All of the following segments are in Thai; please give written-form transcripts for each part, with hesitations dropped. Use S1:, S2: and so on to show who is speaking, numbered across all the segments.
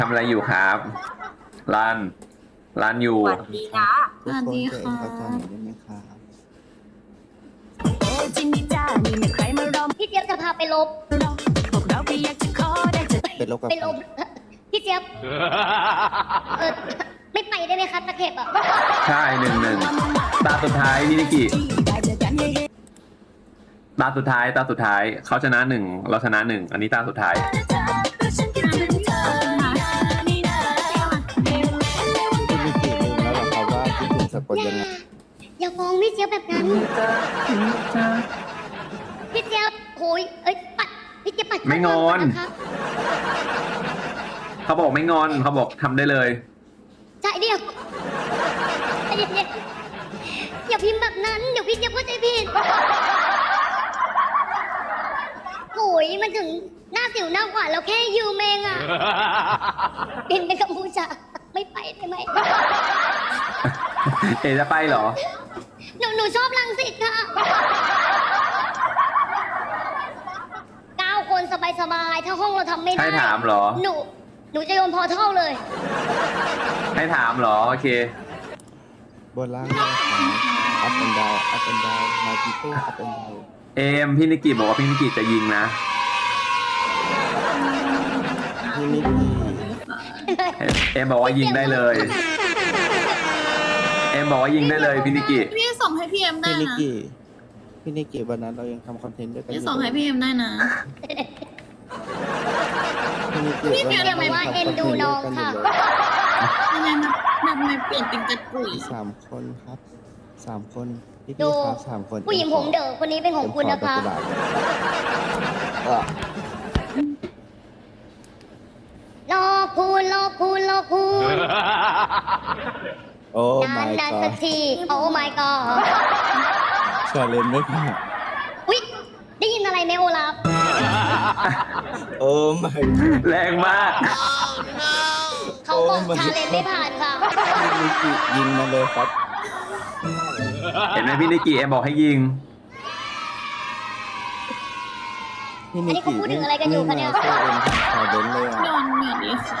S1: ทำอะไรอยู่ครับรันรันอยู่
S2: สวัสดีนะ
S3: ทุกคนเกิดเข้าใจหน่อยได้ไหมครับ
S4: จินนี่จ้านี่ไม่ใครมารอ
S2: พี่เจี๊ยบจะพาไปลบ
S4: พวกเราก็อยากจะขอได้จะ
S3: เป็นโรคกับ
S2: ไปลบพี่เจี๊ยบไม่ไปได้ไหมคะตะเข็บอ่ะ
S1: ใช่1-1ตาสุดท้ายพี่นิกิ
S4: ได้เจอกันเฮ้
S1: ตาสุดท้ายเขาชนะ1เราชนะ1อันนี้ตาสุดท้าย
S4: ฉันคิดถึงเธอนี่นะ
S3: พี่นิกิลืมแล้วเหรอครับว่าคิดถึงสะกดยังไง
S2: อย่าฟ้องพี่เจี๊ยบแบบนั้นพี่เจี๊ยบโหยปัดพี่เจี๊ยบปัด
S1: ไม่งอน
S2: ข้างก่ะคะ
S1: เขาบอกไม่งอนเขาบอกทำได้เลย
S2: ใจเดียวใจเย็นๆอย่าพิมพ์แบบนั้นเดี๋ยวพี่เจี๊ยบเข้าใจผิดโหยมันถึงหน้าสิวหน้าขวานเราแค่ยืมเองอ่ะบินไปกัมพูชาไม่ไปได้ไหม
S1: เอจะไปเหรอ
S2: หนูชอบรังสิตค่ะ9 คนสบายๆ ถ้าห้องเราทำไม่ได้
S1: ให้ถามเหรอ
S2: หนูจะโยนพอเท่าเลย
S1: ให้ถามเหรอโอเค
S3: บนล่างเลยครับ up and down up and down my people up and down
S1: เอมพี่นิกิบอกว่าพี่นิกิจะยิงนะ
S3: พี่นิกิ
S1: เอมบอกว่ายิงได้เลย เอมบอกว่ายิงได้เลยพี่นิกิ
S5: พี่ส่งให้พี่เอ็มได้
S3: พี่นิ
S5: นะ
S3: กิพี่นิกิวันนั้นเรายังทำคอนเทนต์ด้วยกันอ
S5: พี่
S3: ยู่
S5: ส่งให้พี่เอ็มได้นะ
S3: พี่นิกิ
S5: พี่เพียงแต่ว่า
S2: เอ็นดูน้องค่ะ
S5: ยังไงมันไม่เปลี่ยนเป็นกระกุย
S3: 3 คนครับ3 คนพี่
S2: ดู
S3: ครับ3 คน
S2: ผู้หญิงผมเด๋อคนนี้เป็นของคุณนะคะ
S3: เออ
S2: รอคุณรอคุณรอคุณ
S3: โอ้
S2: นาน
S3: my
S2: นานสัก
S3: god
S2: ทีโอ้ my god
S3: ชาเลนจ์ไม่ผ่าน
S2: อุ๊ยได้ยินอะไรไหมโอลาฟ
S3: โอ้ my god
S1: แรงมาก
S2: เขาบอกชาเลนจ์ไม่ผ่านค่ะ
S3: พี่นิกิยิงมาเลยครับ
S1: เห็นไหมพี่นิกิเอมบอกให้ยิง
S3: พี่นิกิ
S2: อันนี้เขาพูดถึงอะไรกันอยู่คะเนี่ย
S3: ไม่มาช่วยเอ็มชาเลนจ์เลย
S5: น
S3: อ่ะ
S5: อนเหมือนดีค่ะ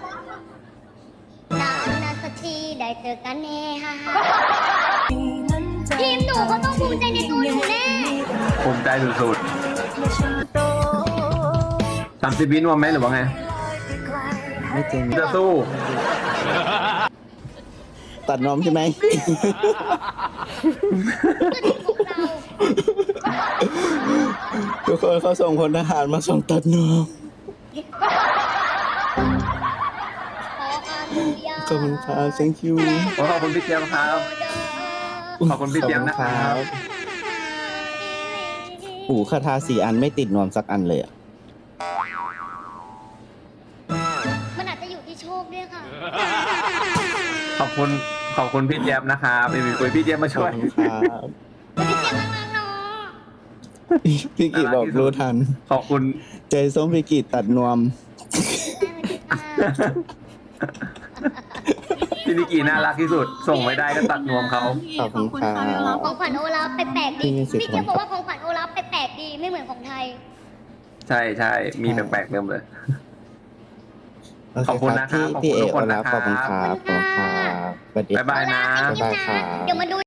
S2: นานนานสักทีได้เจอกันแน่ค่ะทีมหนูเขาต้องภูมิใจในตัวหนูแน่
S1: ภูมิใจสุดๆ30 วินวมไหมหรือว่าไง
S3: ไม่จริง
S1: จะสู้
S3: ตัดนมใช่ไหม ทุกคนเขาส่งพลทหารมาส่งตัดนมขอบคุณครับ thank you
S1: ขอบคุณพี่เจี๊ยบครับ ขอบคุณพี่เจี๊ยบนะครับ
S3: หูคาถา4 อันไม่ติดนวมสักอันเลยอ่ะ
S2: มันอาจจะอยู่ที่โชคด้วยค่ะ
S1: ขอบคุณพี่เจี๊ยบนะครับมีคุยพี่เจี๊ยบมา
S3: ขอ
S1: ช่
S3: บ
S1: วย
S3: คุณครับ
S2: พี่เจี๊ยบรักๆเนาะ
S3: พี่กิบอกรู้ทัน
S1: ขอบคุณ
S3: ใจส้มพี่กิตัดนวม
S1: พี่นิกิน่ารักที่สุด ส่งไม่ได้ก็ตัดนวมเขา
S3: ขอบคุณครับ
S2: ของขวัญโอลาฟแปลกๆดี
S3: พี่มีสิทธิ์
S2: พี่เจี๊ยบบอกว่าของขวัญโอลาฟแปลกๆดีไม่เหมือนของไทย
S1: ใช่มีแปลกๆเริ่มเลย
S3: โเ
S1: ขอบคุณนะครับ
S3: พี่
S1: ขอบคุณทุกคน
S3: เอโอลาฟ
S1: นะครับ
S3: ขอบคุณครับขอบคุณครับสวัสดี
S1: บ๊ายบายนะ
S3: บ๊ายบายครับ
S2: เดี๋ยวมาดู